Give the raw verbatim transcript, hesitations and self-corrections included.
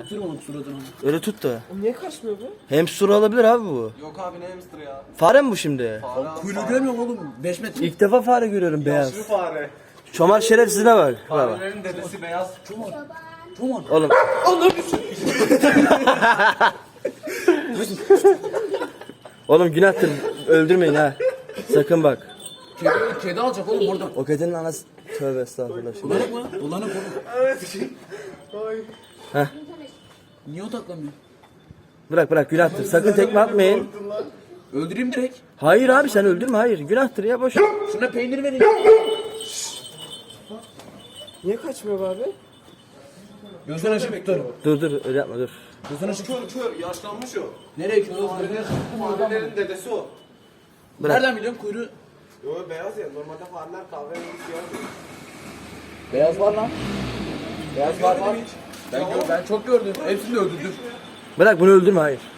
Sür onun suratını. Öyle tut da. O niye kaçmıyor bu? Hamster olabilir abi bu. Yok abi ne hamster ya? Fare mi bu şimdi? Fare abi, Kuyruğu fare. görmüyor musun oğlum? beş metre. İlk defa fare görüyorum beyaz. Yaşlı fare. Çomar şerefsizine bak. Bak. Farelerin dedesi beyaz. Çoban. Oğlum. Oğlum günahtır. Öldürmeyin ha. Sakın bak. Kedi, kedi alacak oğlum oradan. O kedinin anası. Tövbe estağfurullah. Şimdi. Dolanık mı? Dolanık oğlum. Heh. Niye odaklanmıyor? Bırak bırak günahtır. Sakın tekme atmayın. Öldüreyim direkt. Hayır abi sen öldürme hayır. Günahtır ya boş ver. Şuna peynir verin. Niye kaçmıyor bu abi? Gözden açıp tutarım. Dur dur öyle yapma dur. Gözden açıp Kör kör yaşlanmış o. nereye kör oğlum? Farelerin dedesi o. Bırak. Nereden biliyorsun kuyruğu? Yo beyaz ya. Normalde fareler kahverengi siyah. Beyaz var lan. Beyaz var var. Ben, gör, ben çok gördüm. Hepsini de öldürdüm. Bırak bunu öldürme hayır.